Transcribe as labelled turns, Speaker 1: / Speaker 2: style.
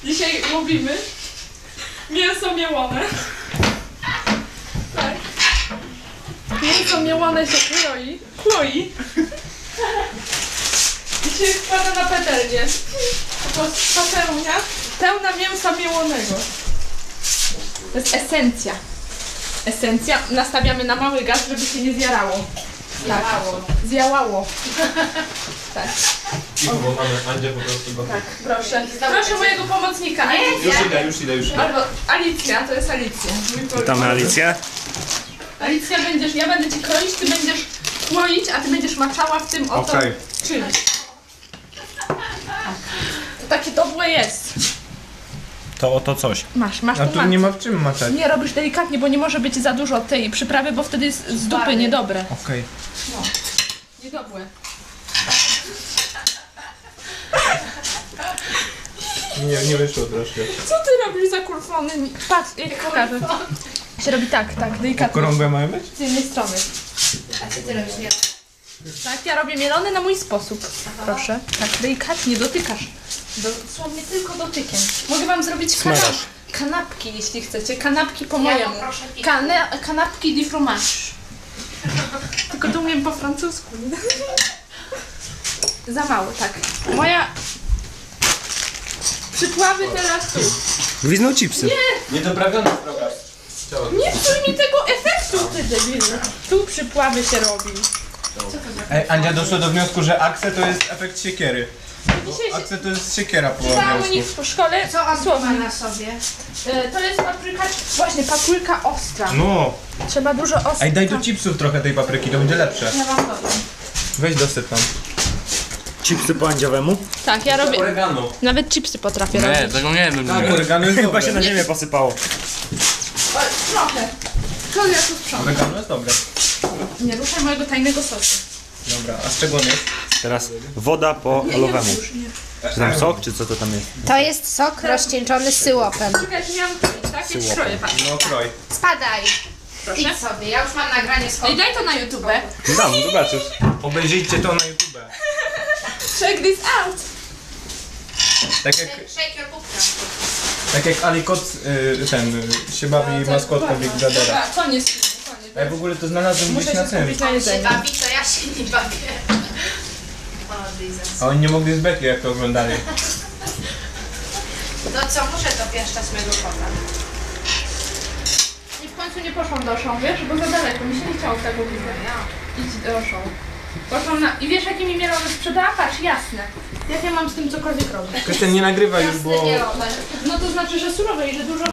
Speaker 1: Dzisiaj mówimy mięso mielone. Tak. Mięso mielone się kloi. I się wkłada na patelnię. Po prostu patelnia pełna mięsa mielonego. To jest esencja. Esencja. Nastawiamy na mały gaz, żeby się nie zjarało. Tak. Zjałało. Tak.
Speaker 2: I mamy Andzie po prostu gotowe.
Speaker 1: Tak, proszę. Proszę mojego pomocnika.
Speaker 2: Już idę.
Speaker 1: Albo Alicja, to jest Alicja.
Speaker 3: Witamy Alicję.
Speaker 1: Alicja, ja będę ci kroić, ty będziesz kłoić, a ty będziesz maczała w tym oto czymś. To takie dobre jest.
Speaker 3: To oto coś.
Speaker 1: Masz
Speaker 2: A
Speaker 1: tu
Speaker 2: tu nie ma w czym maczać.
Speaker 1: Nie, robisz delikatnie, bo nie może być za dużo tej przyprawy, bo wtedy jest z dupy niedobre.
Speaker 2: Okej.
Speaker 1: No. Niedobre.
Speaker 2: Nie wyszło troszkę.
Speaker 1: Co ty robisz za kurwony? Patrz, ja ci pokażę. Się robi tak, delikatnie.
Speaker 2: Okrągłe mają być?
Speaker 1: Z jednej strony.
Speaker 4: A co ty robisz?
Speaker 1: Tak, ja robię mielone na mój sposób. Proszę. Tak, delikatnie dotykasz. Dosłownie tylko dotykiem. Mogę wam zrobić kanapki, jeśli chcecie. Kanapki po mojemu. Kanapki de fromage. Tylko to umiem po francusku. Za mało, tak. Moja... Przypławy teraz tu.
Speaker 3: Gwizdną chipsy.
Speaker 2: Niedoprawione droga.
Speaker 1: Nie psuj mi tego efektu, ty debilu. Tu przypławy się robi.
Speaker 2: Ej, Andzia doszła do wniosku, że akse to jest efekt siekiery.
Speaker 1: Dzisiaj się...
Speaker 2: Akse to jest siekiera po
Speaker 1: Czytałam u nich
Speaker 2: angielsku.
Speaker 1: w szkole.
Speaker 4: Co on ma
Speaker 1: słownik.
Speaker 4: na sobie?
Speaker 1: To jest papryka, właśnie papryka ostra.
Speaker 2: No.
Speaker 1: Trzeba dużo ostra.
Speaker 2: Ej, daj do chipsów trochę tej papryki, to będzie lepsze.
Speaker 1: Ja wam dodam.
Speaker 2: Weź dosyp tam.
Speaker 3: Chipsy po andziowemu?
Speaker 1: Tak, ja robię.
Speaker 2: Oregano.
Speaker 1: Nawet chipsy potrafię robić.
Speaker 3: tego nie wiem.
Speaker 2: Tak, oregano jest
Speaker 3: Chyba
Speaker 2: dobre.
Speaker 3: się na ziemię posypało.
Speaker 1: O, trochę. To ja tu sprzątam.
Speaker 2: Oregano jest dobre.
Speaker 1: Nie ruszaj mojego tajnego sosu.
Speaker 2: Dobra, a z czego on jest?
Speaker 3: Teraz woda po olowemu.
Speaker 1: Już nie.
Speaker 3: Czy tam sok, czy co to tam jest?
Speaker 4: To jest sok rozcieńczony z syłopem.
Speaker 1: Czekaj, że miałam kroić, tak? Więc
Speaker 3: Syłopem.
Speaker 1: kroję, patrz.
Speaker 2: No kroj.
Speaker 4: Spadaj.
Speaker 1: Proszę.
Speaker 4: Idź sobie, ja już mam nagranie z
Speaker 1: I daj to na YouTube.
Speaker 3: Dam, zobaczysz.
Speaker 2: Obejrzyjcie to na YouTube.
Speaker 1: Check this out.
Speaker 2: Tak jak Alikot się bawi maskotką Big Brothera.
Speaker 1: Dobra, koniec.
Speaker 2: Ej, w ogóle to znalazłem
Speaker 1: Muszę
Speaker 2: gdzieś
Speaker 1: się
Speaker 2: na tym.
Speaker 1: skupić na jedzeniu.
Speaker 4: Bawi, to ja się nie bawię. O, Jesus.
Speaker 2: A oni nie mogli z beki jak to oglądali.
Speaker 4: No co, muszę dopieszczać mego kota.
Speaker 1: I w końcu nie poszłam do show, wiesz, bo za daleko, mi się nie chciało tego widzenia. Idź do show. Poszłam na... I wiesz, jakie mi mielone sprzedała? Patrz, jasne. Jak ja mam z tym cokolwiek robić?
Speaker 2: Krystian nie nagrywa już, bo...
Speaker 4: Jasne, nie robię.
Speaker 1: No to znaczy, że surowe i że dużo